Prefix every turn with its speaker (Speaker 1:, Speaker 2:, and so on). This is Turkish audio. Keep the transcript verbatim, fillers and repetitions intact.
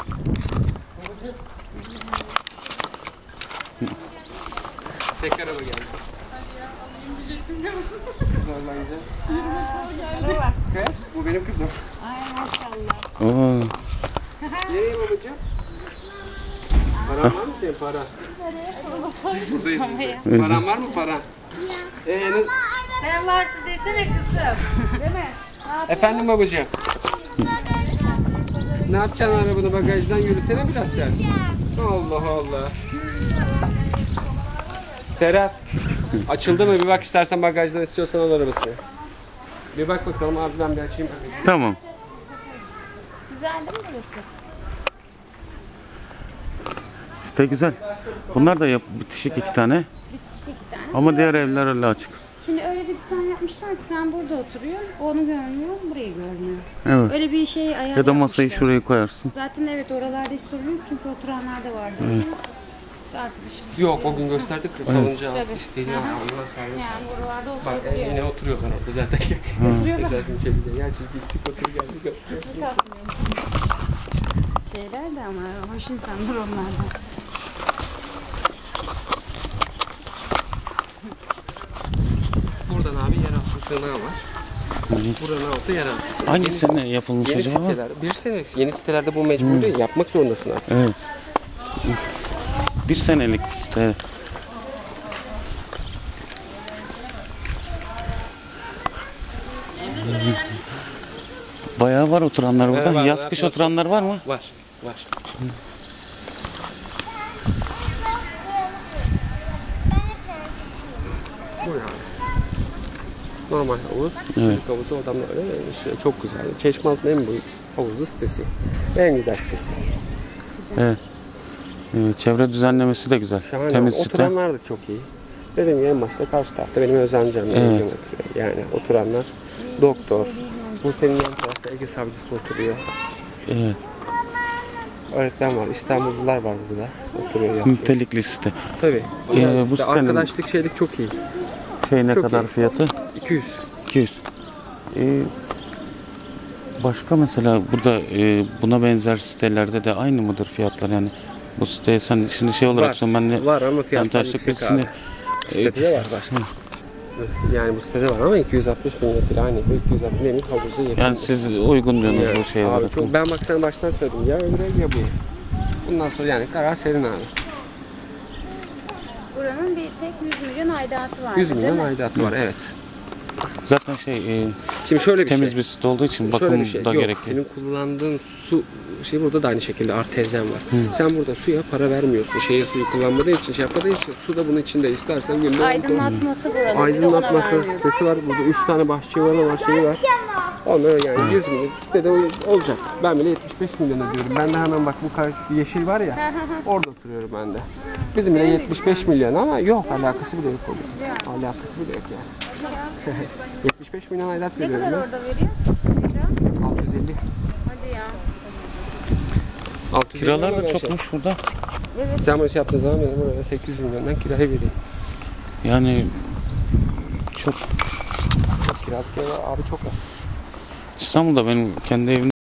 Speaker 1: Tek araba geldi. Zorlanacağım. Kız, bu benim kızım.
Speaker 2: Ay maşallah.
Speaker 3: Oo.
Speaker 1: Nereye babacığım? Paran var mı senin para? Buradayız biz de. Paran var mı para? Ee, ne...
Speaker 2: Sen varsın desene kızım. Değil mi?
Speaker 1: Efendim babacığım. Ne yapacaksın arabanı bagajdan yürüsene biraz sen. Allah Allah. Serap. Açıldı mı? Bir bak istersen bagajdan istiyorsan al arabasını. Bir bak bakalım abi ben bir açayım.
Speaker 3: Tamam.
Speaker 2: Güzel değil mi burası?
Speaker 3: Site güzel. Bunlar da yap bitişik iki tane.
Speaker 2: Bitişik iki tane.
Speaker 3: Ama diğer evler öyle açık.
Speaker 2: Şimdi öyle bir dizayn yapmışlar ki sen burada oturuyorsun, onu görmüyor, burayı görmüyor.
Speaker 3: Evet.
Speaker 2: Öyle bir şey ayar
Speaker 3: Ya da masayı
Speaker 2: yapmışlar.
Speaker 3: şuraya koyarsın.
Speaker 2: Zaten evet oralarda hiç sorun yok çünkü oturanlar da vardı. Evet. Arkadaşım.
Speaker 1: Yok o gün gösterdik salıncağı
Speaker 2: Tabii.
Speaker 1: istediği
Speaker 2: Aha.
Speaker 1: Allah sayesinde.
Speaker 2: Yani buralarda
Speaker 1: Bak
Speaker 2: oturabiliyor.
Speaker 1: yine oturuyorlar orada zaten.
Speaker 2: Oturuyorlar.
Speaker 1: Güzel bir şey de. Ya siz gittik otur geldik.
Speaker 2: Hiç kalkmıyor. Şeyler de ama hoş insanlar onlar da.
Speaker 1: Buradan abi yeraltı sığınağı var. Buranın altı yeraltı.
Speaker 3: Hangi
Speaker 1: Yeni-
Speaker 3: sene yapılmış
Speaker 1: Yeni
Speaker 3: acaba?
Speaker 1: siteler, bir sene yeni sitelerde bu mecbur değil, yapmak zorundasın artık.
Speaker 3: Evet. Bir senelik site. Bayağı var oturanlar burada.
Speaker 1: Evet, var,
Speaker 3: Yaz
Speaker 1: var,
Speaker 3: kış
Speaker 1: var.
Speaker 3: oturanlar var mı?
Speaker 1: Var, var. Bu yani. Normal havuz,
Speaker 3: Evet.
Speaker 1: çocuk havuzu adamlar öyle işte çok güzel. Çeşmealtı'nın en büyük havuzlu sitesi. En güzel sitesi.
Speaker 3: Evet. Ee, çevre düzenlemesi de güzel.
Speaker 1: Şahane.
Speaker 3: Temiz site.
Speaker 1: Oturanlar da çok iyi. Dediğim gibi en başta karşı tarafta benim özencem.
Speaker 3: Evet.
Speaker 1: Yani oturanlar doktor. Bu senin yan tarafta Ege savcısı oturuyor.
Speaker 3: Evet.
Speaker 1: Öğretmen var, İstanbullular var burada. Oturuyor yatıyor.
Speaker 3: Nitelikli site.
Speaker 1: Tabii.
Speaker 3: Ee,
Speaker 1: Yani
Speaker 3: bu
Speaker 1: işte
Speaker 3: sitenin-
Speaker 1: arkadaşlık şeylik çok iyi.
Speaker 3: Şey ne
Speaker 1: Çok
Speaker 3: kadar
Speaker 1: iyi.
Speaker 3: fiyatı?
Speaker 1: iki yüz.
Speaker 3: iki yüz. Ee, başka mesela burada e, buna benzer sitelerde de aynı mıdır fiyatlar yani? Bu siteye sen şimdi şey olarak
Speaker 1: Var.
Speaker 3: sen ben de
Speaker 1: Var ama
Speaker 3: ben
Speaker 1: fiyatlar
Speaker 3: taşlık
Speaker 1: yüksek
Speaker 3: birisini
Speaker 1: abi. Sitede de var var. Yani bu sitede var ama iki yüz altmış bin lira aynı. iki yüz altmış benim havuza yakın.
Speaker 3: yani siz uygun diyorsunuz
Speaker 1: Yani
Speaker 3: bu şeye
Speaker 1: abi
Speaker 3: olarak.
Speaker 1: çok, ben bak sana baştan söyledim ya öbürü ya bu. Bundan sonra yani karar senin abi.
Speaker 2: Buranın bir tek yüz milyon aidatı var.
Speaker 1: yüz milyon aidatı var evet.
Speaker 3: Zaten şey e,
Speaker 1: Şimdi şöyle bir
Speaker 3: temiz
Speaker 1: şey.
Speaker 3: bir site olduğu için
Speaker 1: Şöyle
Speaker 3: bakım
Speaker 1: bir şey.
Speaker 3: da
Speaker 1: Yok,
Speaker 3: gerekli.
Speaker 1: senin kullandığın su şey burada da aynı şekilde artezyen var. Sen burada suya para vermiyorsun. Şehir suyu kullanmadığı için şey yapmadığı için su da bunun içinde istersen günde
Speaker 2: Aydınlatması buranın.
Speaker 1: aydınlatması sitesi var. Burada üç tane bahçıvanı var, şeyi var. Onlar yani yüz milyon sitede olacak. Ben bile yetmiş beş milyon ödüyorum. Ben de hemen bak bu kar- yeşil var ya. Orada oturuyorum ben de. Bizim bile yetmiş beş milyon ama yok alakası bile yok oluyor. Alakası bile yok yani. yetmiş beş milyon aidat
Speaker 2: Ne
Speaker 1: veriyorum
Speaker 2: kadar
Speaker 1: ben.
Speaker 2: orada veriyor?
Speaker 1: altı yüz elli.
Speaker 2: Hadi ya.
Speaker 1: altı yüz elli
Speaker 3: Kiralar da
Speaker 1: milyon şey.
Speaker 3: çokmuş burada.
Speaker 1: Sen bunu şey yaptığın zaman benim buraya sekiz yüz milyondan kiraya vereyim.
Speaker 3: Yani çok
Speaker 1: Kiralık kira abi çok az.
Speaker 3: İstanbul'da benim kendi evim